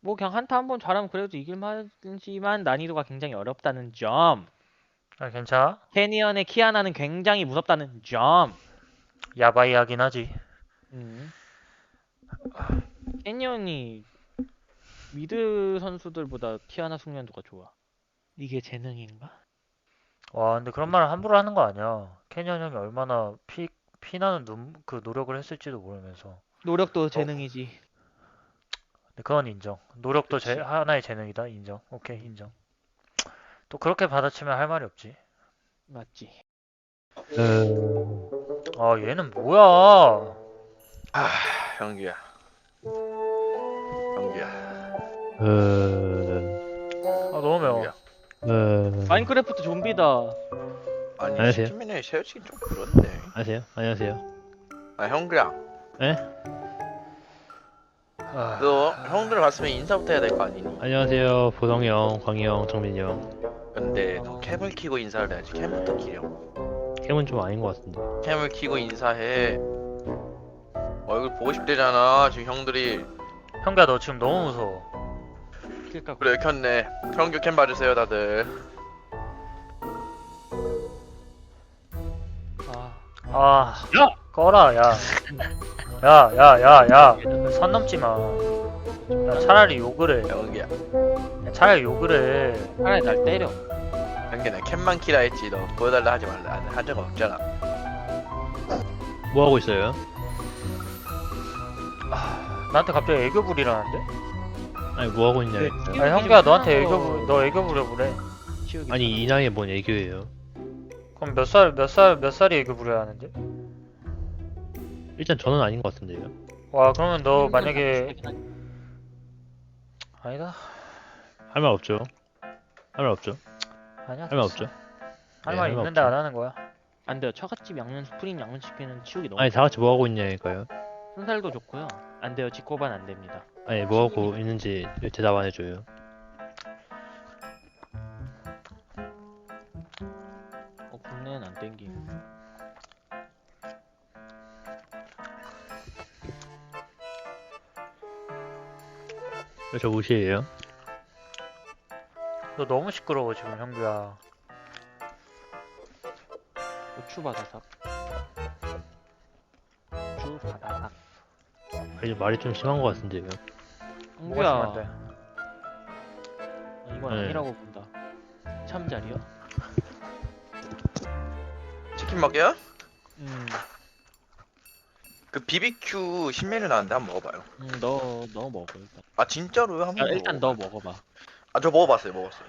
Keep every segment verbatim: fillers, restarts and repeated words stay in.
뭐 그냥 한타 한 번 잘하면 그래도 이길만하지만 난이도가 굉장히 어렵다는 점. 아, 괜찮아? 캐니언의 키아나는 굉장히 무섭다는 점. 야바이하긴 하지. 음. 캐니언이 미드 선수들보다 키아나 숙련도가 좋아. 이게 재능인가? 와, 근데 그런 말을 함부로 하는 거 아니야. 캐년 형이 얼마나 피, 피나는 눈, 그 노력을 했을지도 모르면서. 노력도 어, 재능이지. 근데 그건 인정. 노력도 제, 그치. 하나의 재능이다. 인정. 오케이, 인정. 또 그렇게 받아치면 할 말이 없지. 맞지. 음, 아, 얘는 뭐야? 아, 형규야. 형규야. 음, 아, 너무 매워. 형규야. 음, 마인크래프트 좀비다. 아니, 안녕하세요. 시키면에 세우치긴 좀 그렇네. 안녕하세요. 안녕하세요. 아, 형규야. 예? 아, 너 형들 봤으면 인사부터 해야 될 거 아니니? 안녕하세요. 보성이 형, 광희 형, 정민이 형. 근데 너 캠을 키고 인사를 해야지. 캠부터 키려. 캠은 좀 아닌 것 같은데. 캠을 키고 인사해. 얼굴 보고 싶대잖아, 지금 형들이. 형가 너 지금 너무 무서워. 그러니까 그래, 켰네. 형규 캠 봐주세요, 다들. 아, 아, 야! 꺼라, 야. 야, 야, 야, 야. 선 넘지 마. 야, 차라리 욕을 해. 형규야. 야, 차라리 욕을 해. 차라리 날 때려. 형규, 나 캠만 키라 했지. 너 보여달라 하지 말라. 한 적 없잖아. 뭐 하고 있어요? 나한테 갑자기 애교 부리라는데? 아니, 뭐 하고 있냐. 네, 일단. 키우기 아니, 좀 형가 너한테 편한 애교 거 부, 너 애교 부려 그래. 키우기 아니, 좀- 이 나이에 뭔 애교예요? 그럼 몇 살, 몇 살, 몇 살이 애교 부려야 하는데? 일단 저는 아닌 것 같은데요. 와, 그러면 너 키우기 만약에 좀 편한- 아니다. 할 말 없죠. 할 말 없죠. 아니야. 할 말 없죠. 할 네, 말 할 말 있는데 없죠. 안 하는 거야. 안 돼요. 처갓집 양념 스프링 양념치킨은 치우기 너무 아니, 다 같이 뭐 하고 있냐니까요. 순살도 좋고요. 안 돼요. 지코반 안 됩니다. 아니, 뭐 하고 있는지 대답 안 해줘요. 어, 국내는 안 땡김. 왜 저 무시해요? 너 너무 시끄러워 지금 형규야. 고추 바다삭. 고추 바다삭. 아니, 말이 좀 심한 것 같은데요. 뭐가 형규야, 심한데? 어, 이건 네. 아니라고 본다. 참자리요? 치킨 먹여? 음, 그 비비큐 신메뉴 나왔는데 한번 먹어봐요. 음, 너, 너 먹어 일단. 아, 진짜로요? 한번 야, 일단 너 먹어봐요. 먹어봐. 아, 저 먹어봤어요, 먹었어요.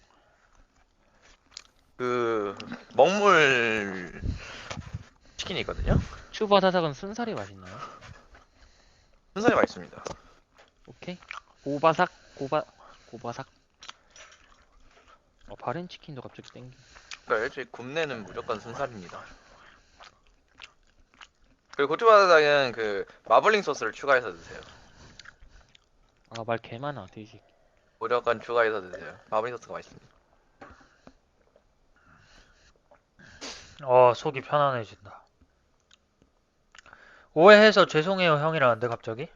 그 먹물 치킨이 있거든요. 고추 바다삭은 순살이 맛있나요? 순살이 맛있습니다. 오케이. 고바삭, 고바, 고바삭. 어, 바렌 치킨도 갑자기 땡기. 그러니까 일주일 굽내는 무조건 순살입니다. 그리고 고추바다닭은 그 마블링 소스를 추가해서 드세요. 아, 말 개 많아, 돼지. 무조건 추가해서 드세요. 마블링 소스가 맛있습니다. 어, 속이 편안해진다. 오해해서 죄송해요 형이라는데 갑자기?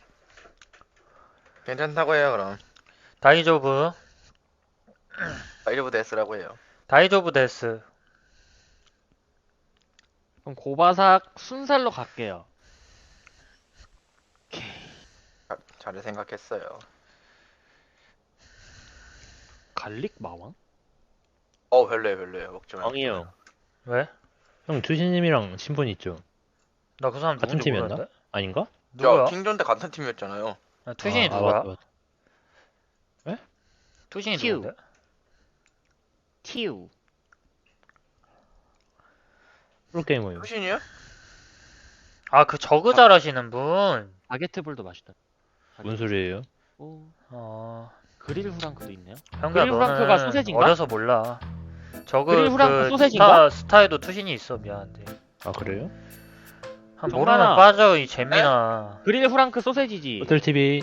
괜찮다고 해요, 그럼. 다이조브, 다이저브 데스라고 해요. 다이조브 데스. 그럼 고바삭 순살로 갈게요. 자, 잘 생각했어요. 갈릭 마왕? 어, 별로예요, 별로예요. 먹지 마요. 광희 형. 왜? 형, 주신님이랑 친분 있죠? 나 그 사람 같은 누군지 팀이었나? 모르는데? 아닌가? 누구야? 야, 킹존 때 같은 팀이었잖아요. 아, 투신이 아, 아, 누구야? 맞다, 맞다. 투신이 큐. 누군데? 티우. 프로게이머요. 수신이요? 아, 그 저그 잘하시는 분. 바게트볼도 맛있다. 뭔 소리예요? 오, 어, 그릴 후랑크도 있네요. 형가 그릴 후랑크가 너는 소세지인가? 어려서 몰라. 저그 그릴 후랑크 그 소세지인가? 스타, 스타에도 투신이 있어. 미안한데. 아, 그래요? 한 정만아. 모르면 빠져 이 재민아. 그릴 후랑크 소세지지. 호텔티비.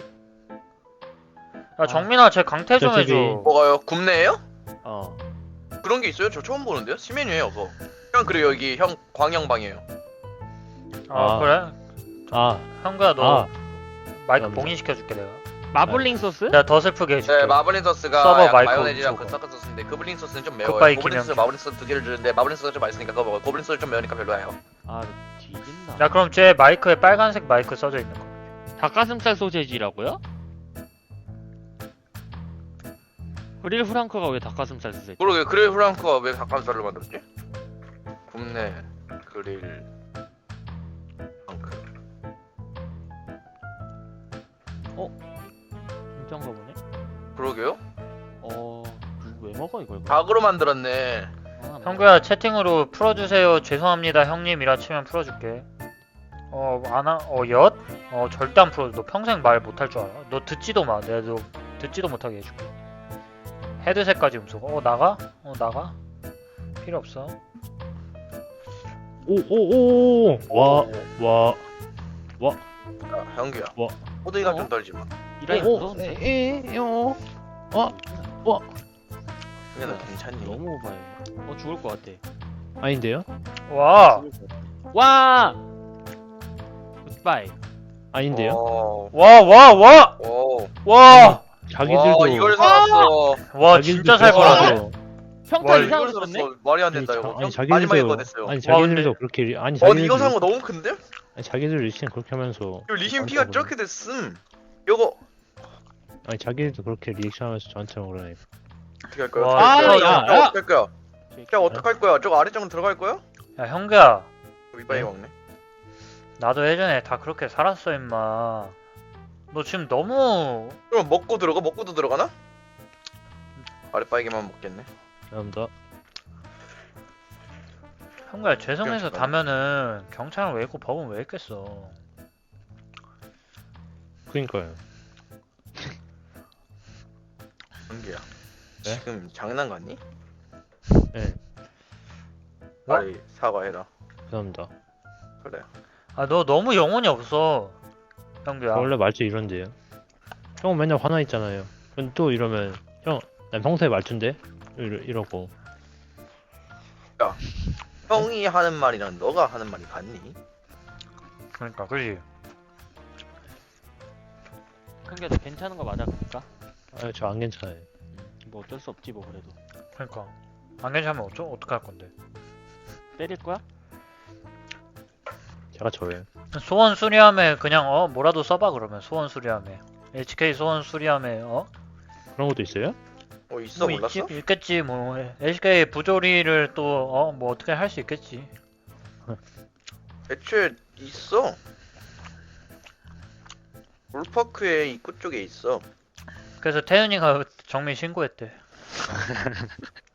야 정민아 쟤 강퇴 좀 저 티비. 해줘. 뭐가요? 굽네예요? 어. 그런 게 있어요? 저 처음 보는데요? 신메뉴예요, 그거. 형, 그리고 여기 형 광영방이에요. 아, 아. 그래? 아, 형가 너 아. 마이크 감사합니다. 봉인시켜줄게 내가. 마블링 소스? 내가 더 슬프게 해줄게. 네, 마블링 소스가 서버 약간 마이크 마요네즈랑 그 훔쳐가. 섞은 소스인데 고블린 소스는 좀 매워요. 굿바이 고블린 소스, 김영준. 마블링 소스 두 개를 주는데 마블링 소스가 좀 맛있으니까 그거 먹어. 고블린 소스 좀 매우니까 별로예요. 아 뒤진다. 야 그럼 쟤 마이크에 빨간색 마이크 써져 있는 거. 닭가슴살 소세지라고요? 그릴 프랑크가 왜 닭가슴살 소세지? 그러게 그릴 프랑크가 왜 닭가슴살로 만들었지? 굽네 그릴 프랑크. 진짠가 보네. 그러게요? 어... 누구 왜 먹어 이걸? 닭으로 만들었네. 아, 형규야 채팅으로 풀어주세요. 죄송합니다 형님이라 치면 풀어줄게. 어 안아 어 엿? 어 절대 안 풀어줘. 너 평생 말 못할 줄 알아. 너 듣지도 마. 내가 너 듣지도 못하게 해줄게. 헤드셋까지 음소. 어 나가? 어 나가? 필요 없어. 오오오 와 와. 야, 형규야. 뭐? 호두이가 어? 좀 떨지 마. 이라이 무서운데? 에에요. 형규야 너 괜찮니? 너무 오바해. 어 죽을 것 같아. 아닌데요? 와. 와! 굿바이. 아닌데요? 어. 와 와 와! 오. 와! 자기들도 와 이걸 살았어. 와 자기들도 진짜 살 그렇게 거라네. 평타 와, 이상 이걸 썼네? 살았어. 말이 안 아니, 된다 자, 이거. 아니 형, 자기들도 마지막에 그거 됐어요. 아니 와, 자기들도 근데- 그렇게 리- 아니 어, 자기들도 이거 산 거 너무 큰데? 아니 자기들 리신 그렇게 하면서 이거 리신 저한테 피가 그러네. 저렇게 됐음. 요거 아니 자기들도 그렇게 리액션하면서 저한테 그러네. 어떻게 할 거야? 와, 어떻게 할 야, 거야? 야, 저거 야. 어떻게 할 거야? 야 어떻게 할 거야? 저거 아래쪽으로 들어갈 거야? 야 형규야 이빨이 네? 먹네. 나도 예전에 다 그렇게 살았어 임마. 너 지금 너무 그럼 먹고 들어가? 먹고도 들어가나? 아랫바이게만 먹겠네. 감사합니다. 형규야 죄송해서 그러니까. 다면은 경찰은 왜 있고 법은 왜 있겠어. 그니까요. 은기야. 네? 지금 장난 같니? 네. 빨리 사과해라. 감사합니다. 그래. 아 너 너무 영혼이 없어 형규야. 저 원래 말투 이런데요. 형은 맨날 화나 있잖아요. 그럼 또 이러면 형, 난 평소에 말투인데 이러, 이러고. 형이 하는 말이랑 너가 하는 말이 같니? 그러니까 그지. 형규야 너 괜찮은 거 맞아 그니까? 아, 저 안 괜찮아요. 뭐 어쩔 수 없지 뭐 그래도. 그러니까 안 괜찮으면 어쩌 어떻게 할 건데. 때릴 거야? 제가 저예요. 소원 수리함에 그냥 어 뭐라도 써봐 그러면 소원 수리함에 에이치케이 소원 수리함에 어? 그런 것도 있어요? 어 있어 뭐 몰랐어? 있지, 있겠지 뭐 에이치케이 부조리를 또 어 뭐 어떻게 할 수 있겠지. 애초에 있어. 롤파크의 입구 쪽에 있어. 그래서 태윤이가 정민 신고했대.